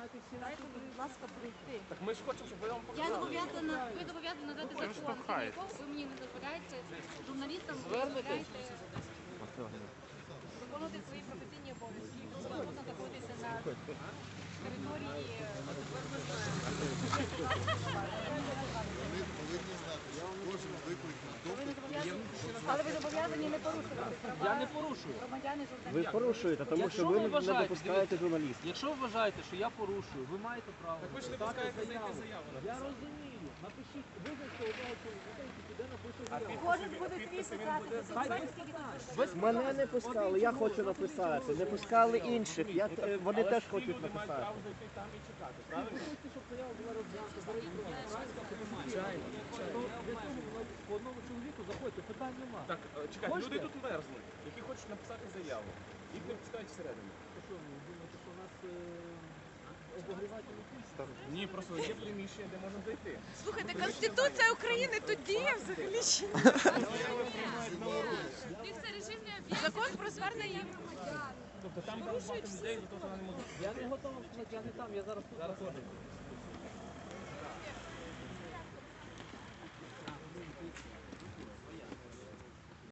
знаєте всі Дайте, будь ласка, прийти. Так ми ж хочемо, щоб ви нам Я показали. зобов'язана, ви зобов'язані надати закон, якого ви мені не дозволяєте, журналістам ви дозволяєте виконувати свої професійні обов'язки. Просто можна знаходитися на території. Але ви зобов'язані не порушувати права. Я не порушую. Громадяни, журналістів. Ви порушуєте, тому що ви не допускаєте журналістів. Якщо ви вважаєте, що я порушую, ви маєте право. Так ви ж не написати пускаєте заяву. зайти заяву. Я розумію. Напишіть, визначте одного чоловіка, який піде напише заяву. Кожен буде свій писати. Мене не пускали, я хочу написати. Не пускали інших. Вони теж хочуть написати. Право зайти там і чекати, правильно? Ви хочете, щоб заява була розглянута, зареєстрована, правильно? Звичайно. То для цього по одному чоловіку заходьте, питань нема. Так, чекай, Хочете? люди тут мерзнуть, які хочуть написати заяву. Їх не пускають всередину. То що, ви думаєте, що у нас обогрівательний пульс? Ні, просто є приміщення, де можна зайти. Слухайте, Конституція України тут діє взагалі ще. Закон про звернення громадян. Тобто там багато людей, за те, що вони не можуть. Я не готовий сказати, я не там, я зараз тут знаходжусь.